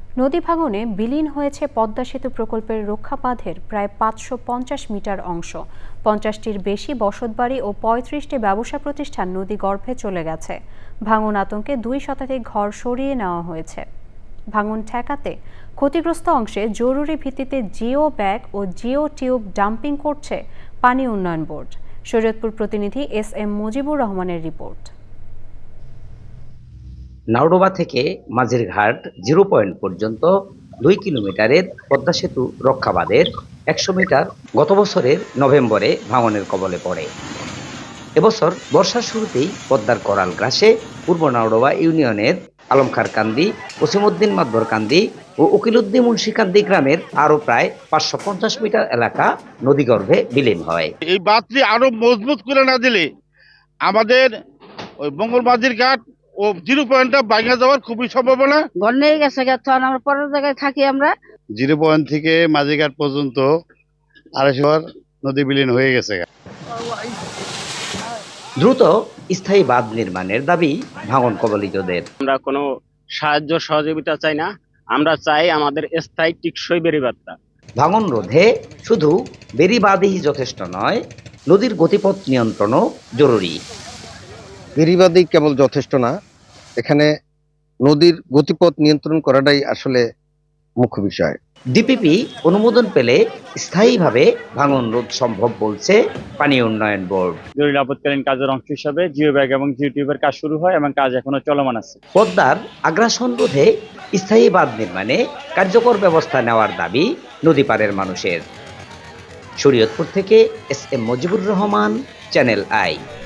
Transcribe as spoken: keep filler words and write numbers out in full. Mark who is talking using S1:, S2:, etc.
S1: নদী ভাঙনে বিলীন হয়েছে পদ্মা সেতু প্রকল্পের রক্ষাবাঁধের প্রায় পাঁচশো পঞ্চাশ মিটার অংশ। পঞ্চাশটির বেশি বসতবাড়ি ও পঁয়ত্রিশটি ব্যবসা প্রতিষ্ঠান নদী গর্ভে চলে গেছে। ভাঙন আতঙ্কে দুই শতাধিক ঘর সরিয়ে নেওয়া হয়েছে। ভাঙন ঠেকাতে ক্ষতিগ্রস্ত অংশে জরুরি ভিত্তিতে জিও ব্যাগ ও জিও টিউব ডাম্পিং করছে পানি উন্নয়ন বোর্ড। শরীয়তপুর প্রতিনিধি এস এম মুজিবুর রহমানের রিপোর্ট।
S2: নাওডোবা থেকে মাঝিরঘাট জিরো পয়েন্ট পর্যন্ত দুই কিলোমিটারের পদ্মা সেতু রক্ষাবাঁধের একশো মিটার গত বছরের নভেম্বরে ভাঙনের কবলে পড়ে। এবছর বর্ষার শুরুতেই পদ্মার করাল গ্রাসে পূর্ব নাওডোবা ইউনিয়নের আলমখার কান্দি, ওসিমউদ্দিন মাদবর কান্দি ও উকিলউদ্দিন মুন্সিকান্দি গ্রামের আরো প্রায় পাঁচশো পঞ্চাশ মিটার এলাকা নদীগর্ভে বিলীন হয়।
S3: এই বাঁধটি আরো মজবুত করে না দিলে আমাদের ওই বঙ্গলবাজির ঘাট ও জিরো পয়েন্টটা ভাঙা যাওয়ার খুবই সম্ভাবনা।
S4: ঘর নিয়ে গেছে তখন আমরা পরের জায়গায় থাকি। আমরা
S3: জিরো পয়েন্ট থেকে মাঝিঘাট পর্যন্ত আড়াইশো নদী বিলীন হয়ে গেছে।
S2: দ্রুত স্থায়ী বাঁধ নির্মাণের দাবি ভাঙন কবলিতদের।
S5: আমরা কোনো সাহায্য সহযোগিতা চাই না, আমরা চাই আমাদের স্থায়ী টিকসই বেড়িবাঁধটা।
S2: ভাঙন রোধে শুধু বেড়িবাঁধই যথেষ্ট নয়, নদীর গতিপথ নিয়ন্ত্রণও জরুরি।
S6: বেড়িবাঁধই কেবল যথেষ্ট না, এখানে নদীর গতিপথ নিয়ন্ত্রণ করাটাই আসলে মুখ্য বিষয়।
S2: ডিপিপি অনুমোদন পেলে স্থায়ীভাবে ভাঙন রোধ সম্ভব বলছে পানি উন্নয়ন বোর্ড।
S5: জরুরি আপৎকালীন কাজের অংশ হিসাবে জিও ব্যাগ এবং জিও টিউবের কাজ শুরু হয় এবং কাজ এখনো চলমান আছে।
S2: পদ্মার আগ্রাসন রোধে স্থায়ী বাঁধ নির্মাণে কার্যকর ব্যবস্থা নেওয়ার দাবি নদীপাড়ের মানুষের। শরীয়তপুর থেকে S M Mujibur Rahman, Channel I.